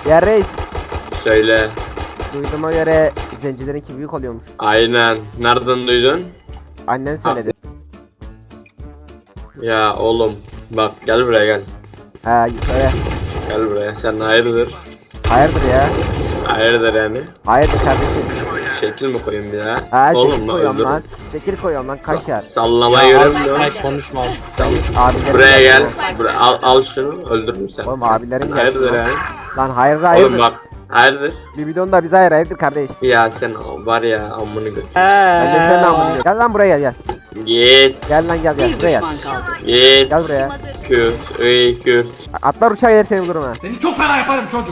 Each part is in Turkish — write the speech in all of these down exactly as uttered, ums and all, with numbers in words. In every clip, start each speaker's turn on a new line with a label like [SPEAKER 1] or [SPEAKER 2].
[SPEAKER 1] Ya reis.
[SPEAKER 2] Söyle.
[SPEAKER 1] Duyduğuma göre zencilerinki büyük oluyormuş.
[SPEAKER 2] Aynen. Nereden duydun?
[SPEAKER 1] Annen söyledi.
[SPEAKER 2] Ya oğlum. Bak gel buraya gel.
[SPEAKER 1] Ha söyle.
[SPEAKER 2] Gel buraya. Sen hayırdır?
[SPEAKER 1] Hayırdır ya?
[SPEAKER 2] Hayırdır yani?
[SPEAKER 1] Hayırdır kardeşim?
[SPEAKER 2] Şekil mi koyayım bir daha?
[SPEAKER 1] Ha
[SPEAKER 2] Oğlum
[SPEAKER 1] şekil
[SPEAKER 2] lan
[SPEAKER 1] koyuyorum
[SPEAKER 2] öldür.
[SPEAKER 1] lan. Şekil koyuyorum lan kaşar.
[SPEAKER 2] Sallamayı görüyor musun?
[SPEAKER 3] Konuşma.
[SPEAKER 1] Abilerim
[SPEAKER 2] Buraya
[SPEAKER 1] geldi
[SPEAKER 2] gel.
[SPEAKER 1] ya.
[SPEAKER 2] Buraya, al, al şunu öldürürüm seni.
[SPEAKER 1] Oğlum abilerim geldi.
[SPEAKER 2] Hayırdır yani?
[SPEAKER 1] Lan hayırdır
[SPEAKER 2] Oğlum
[SPEAKER 1] hayırdır.
[SPEAKER 2] bak. Hayırdır?
[SPEAKER 1] Bir bidon da bize hayır hayırdır kardeş.
[SPEAKER 2] Ya sen var ya amını götür.
[SPEAKER 1] Ben de seninle amına. Gel lan buraya gel gel.
[SPEAKER 2] Git.
[SPEAKER 1] Gel lan gel gel
[SPEAKER 4] Bir
[SPEAKER 1] buraya gel.
[SPEAKER 4] düşman kaldı.
[SPEAKER 2] Git.
[SPEAKER 1] Gel buraya.
[SPEAKER 2] Kürt. Ey Kürt.
[SPEAKER 1] Atlar uçar yer seni bulurum ha.
[SPEAKER 5] Seni çok fena yaparım çocuk.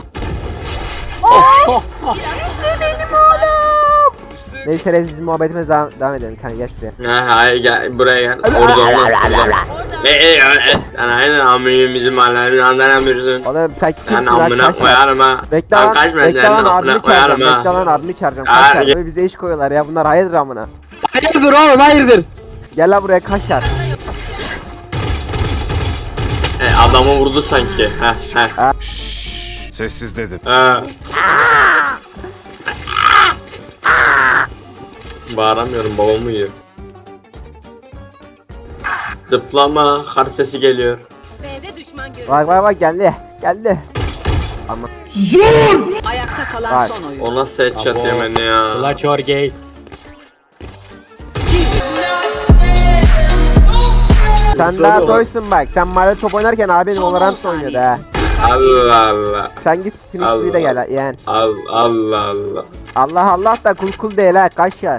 [SPEAKER 1] Neyse reis muhabbetimize devam, devam edelim. Kanka gel şuraya.
[SPEAKER 2] Ha hayır gel buraya gel. Orada olmaz. Ne e e sen aynen amını bizim mahallemizin anlayamıyorsun.
[SPEAKER 1] Oğlum sen
[SPEAKER 2] Sen
[SPEAKER 1] kimsin lan
[SPEAKER 2] amına
[SPEAKER 1] kaşar?
[SPEAKER 2] koyarım ha.
[SPEAKER 1] Bekle
[SPEAKER 2] Sen
[SPEAKER 1] lan,
[SPEAKER 2] kaçma
[SPEAKER 1] bekle
[SPEAKER 2] sen
[SPEAKER 1] lan
[SPEAKER 2] amına
[SPEAKER 1] abimi
[SPEAKER 2] koyarım
[SPEAKER 1] çağıracağım,
[SPEAKER 2] ha.
[SPEAKER 1] bekle lan abimi çağıracağım,
[SPEAKER 2] Hayır,
[SPEAKER 1] kaşar.
[SPEAKER 2] gel.
[SPEAKER 1] Böyle bize iş koyuyorlar ya, bunlar hayırdır amına.
[SPEAKER 3] Hayırdır oğlum hayırdır.
[SPEAKER 1] Gel lan buraya kaşar.
[SPEAKER 2] E adamı vurdu sanki. Heh heh.
[SPEAKER 6] Şşş, sessiz dedim.
[SPEAKER 2] Ha. Bağıramıyorum babamı yiyor. Zıplama kar sesi geliyor.
[SPEAKER 4] B'de düşman görüldü.
[SPEAKER 1] Bak bak bak geldi, geldi. Ama
[SPEAKER 4] Ayakta kalan
[SPEAKER 1] Bak.
[SPEAKER 4] son oyun.
[SPEAKER 2] O nasıl headshot
[SPEAKER 3] Abo.
[SPEAKER 2] yemeni ya.
[SPEAKER 3] Ula çorgey.
[SPEAKER 1] sen daha toysun bak, sen mahallede top oynarken abin
[SPEAKER 4] Son on
[SPEAKER 1] Valorant
[SPEAKER 4] saniye.
[SPEAKER 1] oynuyordu ha.
[SPEAKER 2] Allah Allah.
[SPEAKER 1] Sen git Finish'liği de gel yani.
[SPEAKER 2] Allah Allah Allah.
[SPEAKER 1] Allah Allah da kul kul değil ha kaşar.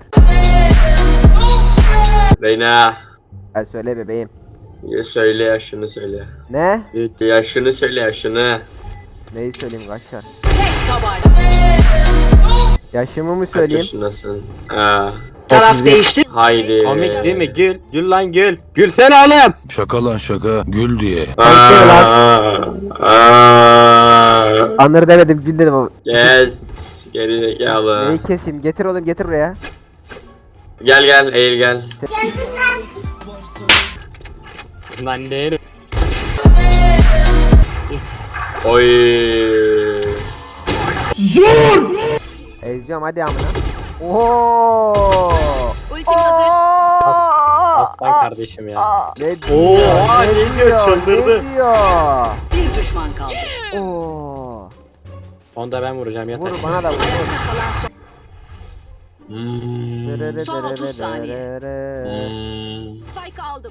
[SPEAKER 2] Reyna.
[SPEAKER 1] Gel söyle bebeğim.
[SPEAKER 2] Ya söyle yaşını söyle.
[SPEAKER 1] Ne?
[SPEAKER 2] Yaşını söyle yaşını.
[SPEAKER 1] Neyi söyleyeyim kaşar?
[SPEAKER 4] Tek tabanca.
[SPEAKER 1] Yaşımı mı
[SPEAKER 2] Kaç
[SPEAKER 1] söyleyeyim?
[SPEAKER 2] yaşındasın? Ha.
[SPEAKER 4] Taraf değişti.
[SPEAKER 2] Haydi.
[SPEAKER 3] Komik değil mi? Gül. Gül lan gül. Gülsene oğlum.
[SPEAKER 6] Şaka lan şaka, gül diye.
[SPEAKER 2] Aa, aa.
[SPEAKER 1] Anır demedim, gül dedim ama.
[SPEAKER 2] Kes. Geri zekalı.
[SPEAKER 1] Neyi keseyim? Getir oğlum, getir buraya.
[SPEAKER 2] Gel gel eğil gel.
[SPEAKER 3] Lan değilim.
[SPEAKER 2] Oy.
[SPEAKER 1] Eziyorum hadi amına. Ooo.
[SPEAKER 4] Ultim hazır.
[SPEAKER 3] Aslan kardeşim ya.
[SPEAKER 1] Ne
[SPEAKER 3] Oha, ne diyor, çıldırdı.
[SPEAKER 1] Ne diyor?
[SPEAKER 4] Bir düşman kaldı.
[SPEAKER 1] Oo.
[SPEAKER 3] Onu da ben vuracağım yeter.
[SPEAKER 1] Vur bana da vur.
[SPEAKER 4] Ayakta kalan son.
[SPEAKER 2] Hmm.
[SPEAKER 4] Son otuz saniye.
[SPEAKER 2] Hmm.
[SPEAKER 4] Spike aldım.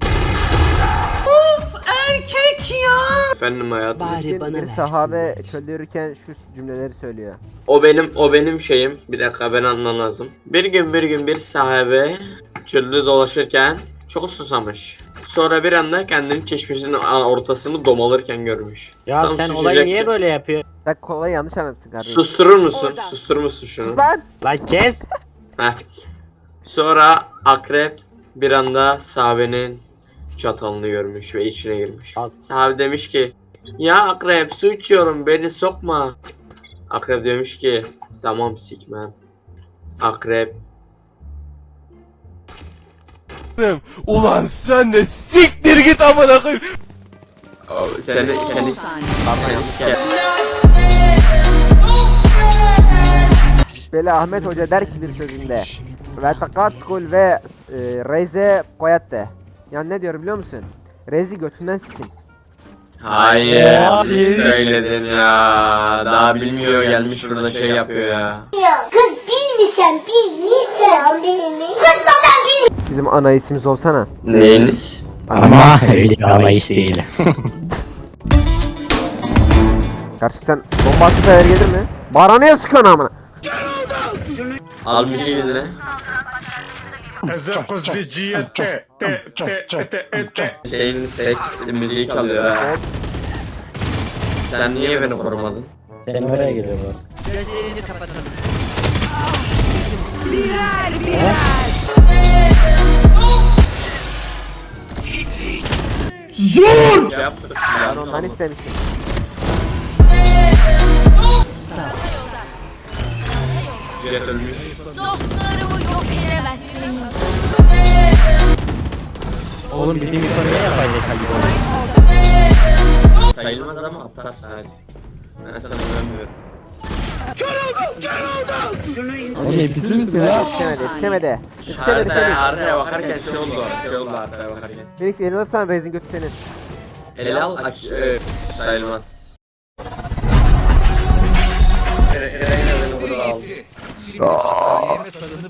[SPEAKER 2] Efendim hayatım.
[SPEAKER 4] Bari
[SPEAKER 1] Bir,
[SPEAKER 4] bana
[SPEAKER 1] bir
[SPEAKER 4] versin.
[SPEAKER 1] sahabe çölde yürürken şu cümleleri söylüyor.
[SPEAKER 2] O benim o benim şeyim. Bir dakika ben anlam lazım. Bir gün bir gün bir sahabe çölde dolaşırken çok susamış. Sonra bir anda kendini çeşmesinin ortasını domalırken görmüş.
[SPEAKER 3] Ya
[SPEAKER 2] Tam
[SPEAKER 3] sen
[SPEAKER 2] susacaktı.
[SPEAKER 3] olayı niye böyle yapıyorsun?
[SPEAKER 1] Sen kolayı yanlış anlamışsın kardeşim.
[SPEAKER 2] Susturur musun?
[SPEAKER 4] Oradan.
[SPEAKER 2] Susturur musun şunu?
[SPEAKER 1] Sus lan.
[SPEAKER 3] Lan kes.
[SPEAKER 2] Heh. Sonra akrep bir anda sahabenin çatalını görmüş ve içine girmiş.
[SPEAKER 3] Az.
[SPEAKER 2] Sahabe demiş ki ya akrep su içiyorum beni sokma. Akrep demiş ki tamam sikmem. Akrep
[SPEAKER 5] Ulan sen de siktir git amına koyayım.
[SPEAKER 2] seni
[SPEAKER 4] Son
[SPEAKER 2] seni
[SPEAKER 4] on saniye.
[SPEAKER 2] Pardon, yanlış yer.
[SPEAKER 1] Böyle Ahmet Hoca der ki bir sözünde. Ve takat kul ve e, reze koyatte. Yani ne diyor biliyor musun? Rezi götünden sikin.
[SPEAKER 2] Hayır
[SPEAKER 3] Ya,
[SPEAKER 2] biz söyledin ya. Daha bilmiyor gelmiş burada şey yapıyor ya.
[SPEAKER 7] Ya kız bilmişsen bilmişsen bilmi. Kız zaten bilmiş.
[SPEAKER 1] Bizim ana ismimiz olsana.
[SPEAKER 2] Neyiniz?
[SPEAKER 3] Ama öyle bir anlayış değil.
[SPEAKER 1] Karşı sen bombası sever gelir mi? Bana ne sıkıyorsun amına?
[SPEAKER 2] Al müziği eline. Şeyin seks müziği çalıyor ha. Sen niye beni korumadın?
[SPEAKER 3] Sen nereye geliyorsun?
[SPEAKER 4] Gözlerini kapatalım.
[SPEAKER 2] Şey yaptık.
[SPEAKER 1] Ben ondan istemiştim.
[SPEAKER 2] Jet ölmüş.
[SPEAKER 4] Dostlarımı yok edemezsiniz.
[SPEAKER 3] Oğlum bizim bir konu ne yapayım ne kalıyor?
[SPEAKER 2] Sayılmaz ama aptal sadece. Ben sana güvenmiyorum.
[SPEAKER 3] Oğlum hepsi misin ya?
[SPEAKER 1] Yetişemedi, yetişemedi. Yetişemedi
[SPEAKER 2] Haritaya,
[SPEAKER 1] Phoenix.
[SPEAKER 2] haritaya bakarken şey oldu. Şey oldu haritaya bakarken.
[SPEAKER 1] Phoenix elini alırsan Reis'in götü senin.
[SPEAKER 2] Ele al aç. E, sayılmaz. Ere- Eren'e beni burada al.